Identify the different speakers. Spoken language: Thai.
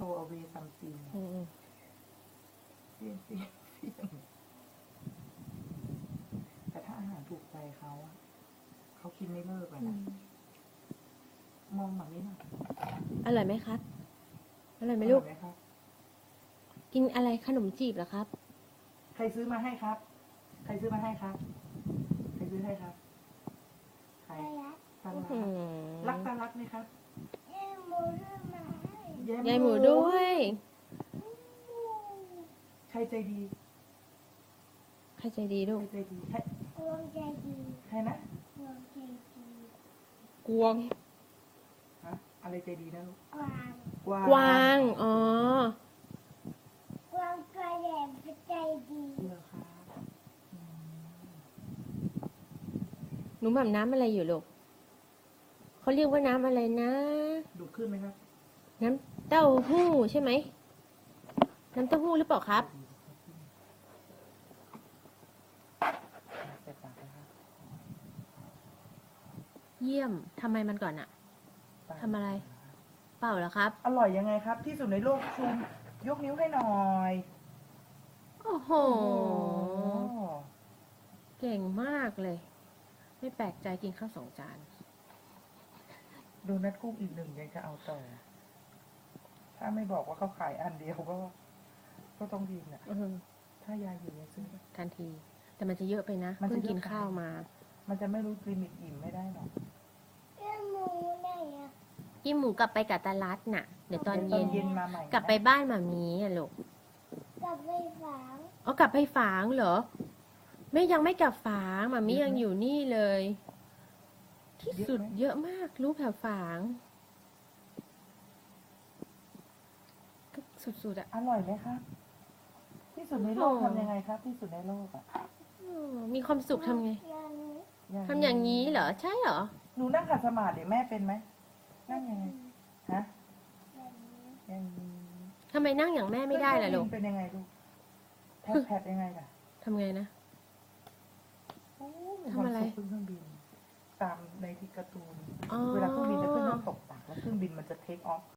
Speaker 1: away something เสี่ยงแต่ถ้าอาหารถูกใจเขาอะเขากินไม่เลิกเลยนะมองแบบนี้หน่อย
Speaker 2: อร่อยไหมครับ อร่อยไหม
Speaker 1: อ
Speaker 2: ลู
Speaker 1: ร่อก ยไหมครับ
Speaker 2: กินอะไรขนมจีบเหรอครับ
Speaker 1: ใครซื้อมาให้ครับ ใครซื้อมาให้ครับ ใครซื้อให้ครับ ใครตาลักรักตาลักไหมครับ
Speaker 2: ยายหมูด้วย
Speaker 1: ใครใจดี
Speaker 2: ใครใจดีลู
Speaker 1: ใคร
Speaker 2: ก
Speaker 1: ใจดีใครใครนะ
Speaker 2: กวง
Speaker 1: ฮะอะไรใจดีนะลูก
Speaker 2: กวาง อ๋อ
Speaker 1: เหรอครับอืม
Speaker 2: หนูแบบน้ำอะไรอยู่ลูกเขาเรียกว่าน้ำอะไรนะ
Speaker 1: ดูขึ้นไหมครับ
Speaker 2: น้ำเต้าหู้ใช่ไหม น้ำเต้าหู้หรือเปล่าครับ
Speaker 1: ใส่ปากนะครับ
Speaker 2: เยี่ยมทำไมมันก่อนอะทำอะไร เปล่าเหรอครับ
Speaker 1: อร่อยยังไงครับ ที่สุดในโลกชูมยกนิ้วให้หน่อย
Speaker 2: โอ้โห
Speaker 1: โอ้
Speaker 2: เก่งมากเลย ไม่แปลกใจกินข้าว2 จาน
Speaker 1: โดนัทกุ้งอีกหนึ่งยังจะเอาต่อ ถ้าไม่บอกว่าเขาขายอันเดียวก็ต้องดีนะถ้ายายอยู่ยายซื้อ
Speaker 2: ทันที แต่มันจะเยอะไปนะ
Speaker 1: มันจะ
Speaker 2: เพิ่งกิน
Speaker 1: เยอะไป
Speaker 2: ข้าวมา
Speaker 1: มันจะไม่รู้ลิมิตอิ่มไม่ได้หรอก
Speaker 2: กินหมูกลับไปกับตาลัดน่ะ เดี๋ยวตอน
Speaker 1: เดี๋ยว
Speaker 2: เย็น
Speaker 1: มาใหม่นะ
Speaker 2: กลับไปบ้านหมามีอ่ะลูกอ๋อกลับไปฝางเหรอ ไม่ยังไม่กลับฝางหมามียังอยู่นี่เลย ที่สุดเยอะมาก รู้แผวฝางก็สุดๆอ่ะ
Speaker 1: อร่อยไหมครับ ที่สุดในโลกทำยังไงครับ ที่สุดในโลกอ่ะ
Speaker 2: มีความสุขทำไงทำอย่างนี้เหรอ ใช่เหรอ
Speaker 1: หนูนั่งขัดสมาธิเดี๋ยวแม่เป็นไหมนั่งยังไงฮะอย่างนี้
Speaker 2: ทำไมนั่งอย่างแม่ไม่ได้ล่ะลูก
Speaker 1: เป็นยังไงลูกแพดยังไงล่ะ
Speaker 2: ทำไงนะ
Speaker 1: โอ้มี
Speaker 2: ทำอะไร
Speaker 1: ความสุขเครื่องบิน ตามในที่การ์ตูน
Speaker 2: อ๋อ
Speaker 1: เวลาเครื่องบินจะขึ้นต้องตกต่ำแล้วเครื่องบินมันจะเทคออฟ